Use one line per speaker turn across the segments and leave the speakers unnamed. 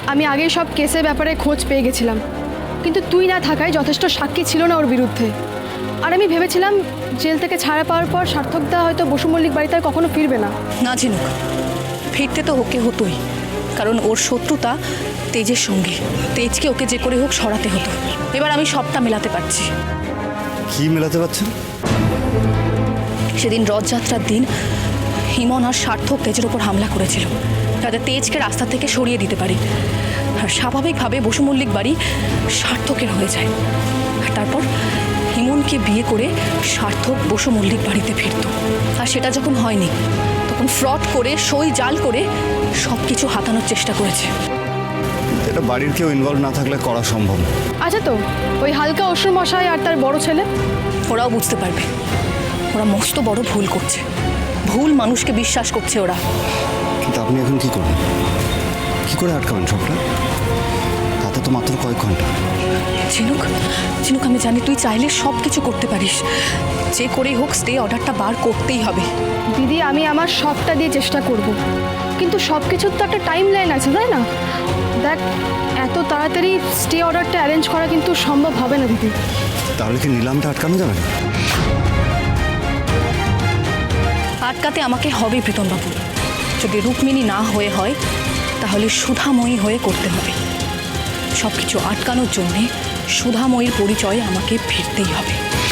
আমি আগেই সব কেসের ব্যাপারে খোঁজ পেয়ে গেছিলাম, কিন্তু তুই না থাকায় যথেষ্ট সাক্ষী ছিল না ওর বিরুদ্ধে। আর আমি ভেবেছিলাম জেল থেকে ছাড়া পাওয়ার পর সার্থকদা হয়তো বসু মল্লিক বাড়িতে আর কখনো ফিরবে না।
না ঝিনুক, ফিরতে তো ওকে হতোই, কারণ ওর শত্রুতা তেজের সঙ্গে। তেজকে ওকে যে করে হোক সরাতে হতো। এবার আমি সবটা মেলাতে পারছি।
কি মেলাতে পারছেন?
সেদিন রথযাত্রার দিন হিমন আর সার্থক তেজের ওপর হামলা করেছিল, যাতে তেজকে রাস্তা থেকে সরিয়ে দিতে পারি। আর স্বাভাবিকভাবে বসু মল্লিক বাড়ি সার্থকের হয়ে যায়। আর তারপর হিমনকে বিয়ে করে সার্থক বসু মল্লিক বাড়িতে ফিরত। আর সেটা যখন হয়নি, তখন ফ্রড করে সই জাল করে সব কিছু হাতানোর চেষ্টা করেছে।
এটা বাড়ির কেউ ইনভলভ না থাকলে করা সম্ভব না।
আচ্ছা, তো ওই হালকা অসুর মশাই আর তার বড় ছেলে?
ওরাও বুঝতে পারবে ওরা মস্ত বড় ভুল করছে। ভুল মানুষকে বিশ্বাস করছে ওরা।
কিন্তু আপনি এখন কি করবেন? কি করে আটকাবেন সবটা? তাতে তো মাত্র কয়েক ঘন্টা।
ঝিনুক, ঝিনুক, আমি জানি তুই চাইলে সব কিছু করতে পারিস। যে করেই হোক স্টে অর্ডারটা বার করতেই হবে।
দিদি, আমি আমার সবটা দিয়ে চেষ্টা করব, কিন্তু সব কিছুর তো একটা টাইম লাইন আছে, তাই না? দেখ, এত তাড়াতাড়ি স্টে অর্ডারটা অ্যারেঞ্জ করা কিন্তু সম্ভব হবে না দিদি।
তাহলে কি নিলামটা আটকানো যাবে না?
আটকাতে আমাকে হবেই প্রীতমবাবু। যদি রুক্মিণী না হয়ে হয়, তাহলে সুধাময়ী হয়ে করতে হবে। সব কিছু আটকানোর জন্যে সুধাময়ীর পরিচয়ে আমাকে ফিরতেই হবে।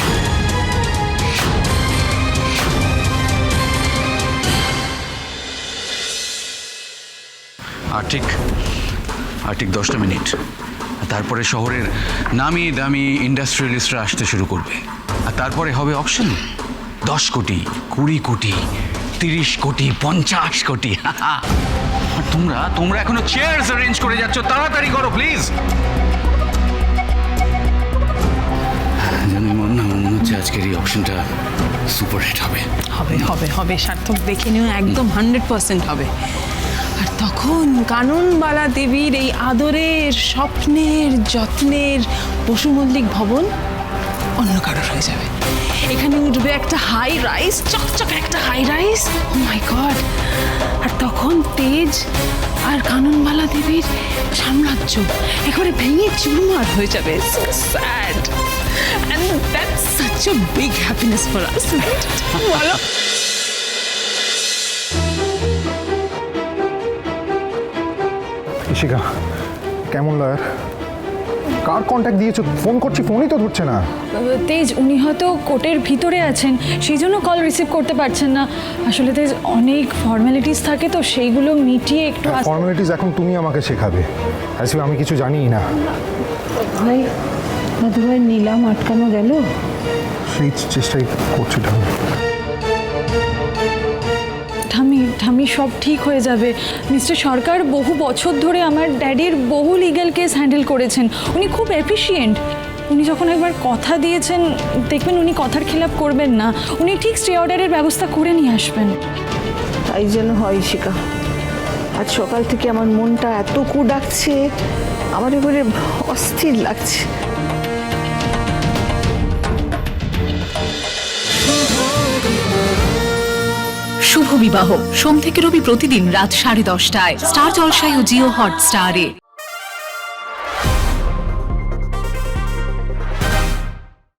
আর ঠিক 10টা মিনিট, তারপরে শহরের নামি দামি ইন্ডাস্ট্রিয়ালিস্টরা আসতে শুরু করবে। আর তারপরে হবে অকশন। 10 কোটি, 20 কোটি, 30 কোটি, 50 কোটি। আর তোমরা এখনো চেয়ারস অ্যারেঞ্জ করে যাচ্ছ। তাড়াতাড়ি করো প্লিজ। জানি মনে হচ্ছে আজকের এই অকশনটা সুপার হিট হবে।
হবে হবে হবে সার্থক, দেখে নিও, একদম 100% হবে। আর তখন কাননবালা দেবীর এই আদরের, স্বপ্নের, যত্নের বসু মল্লিক ভবন অন্য কারোর হয়ে যাবে। এখানে উঠবে একটা হাই রাইজ, চকচকে একটা high rise. Oh my god! আর তখন তেজ আর কাননবালা দেবীর সাম্রাজ্য একেবারে ভেঙে চুরমার হয়ে যাবে। So sad, and that's such a big happiness for us, right? বলো।
ইশিকা, কেমন লয়ার? কার কন্ট্যাক্ট দিয়েছো? ফোন করছি, ফোনই তো ধরছে না।
তেজ, উনি হয়তো কোর্টের ভিতরে আছেন, সেই জন্য কল রিসিভ করতে পারছেন না। আসলে তেজ, অনেক ফর্মালিটিস থাকে, তো সেইগুলো মিটিয়ে একটু
ফর্মালিটিস এখন তুমি আমাকে শেখাবে? আসলে আমি কিছু জানিই না।
ভাই, মধুভাই, নিলাম আটকানো গেল?
সেই চেষ্টাই করছি ঠাকুর।
ঠামি, সব ঠিক হয়ে যাবে। মিস্টার সরকার বহু বছর ধরে আমার ড্যাডির বহু লিগ্যাল কেস হ্যান্ডেল করেছেন। উনি খুব এফিশিয়েন্ট। উনি যখন একবার কথা দিয়েছেন, দেখবেন উনি কথার খেলাপ করবেন না। উনি ঠিক স্টে অর্ডারের ব্যবস্থা করে নিয়ে আসবেন।
তাই যেন হয় শিকা। আজ সকাল থেকে আমার মনটা এত কু ডাকছে, আমার এবারে অস্থির লাগছে।
শুভ বিবাহ সোম থেকে রবি প্রতিদিন রাত 10:30টায় স্টার জলসায় ও জিও হটস্টারে।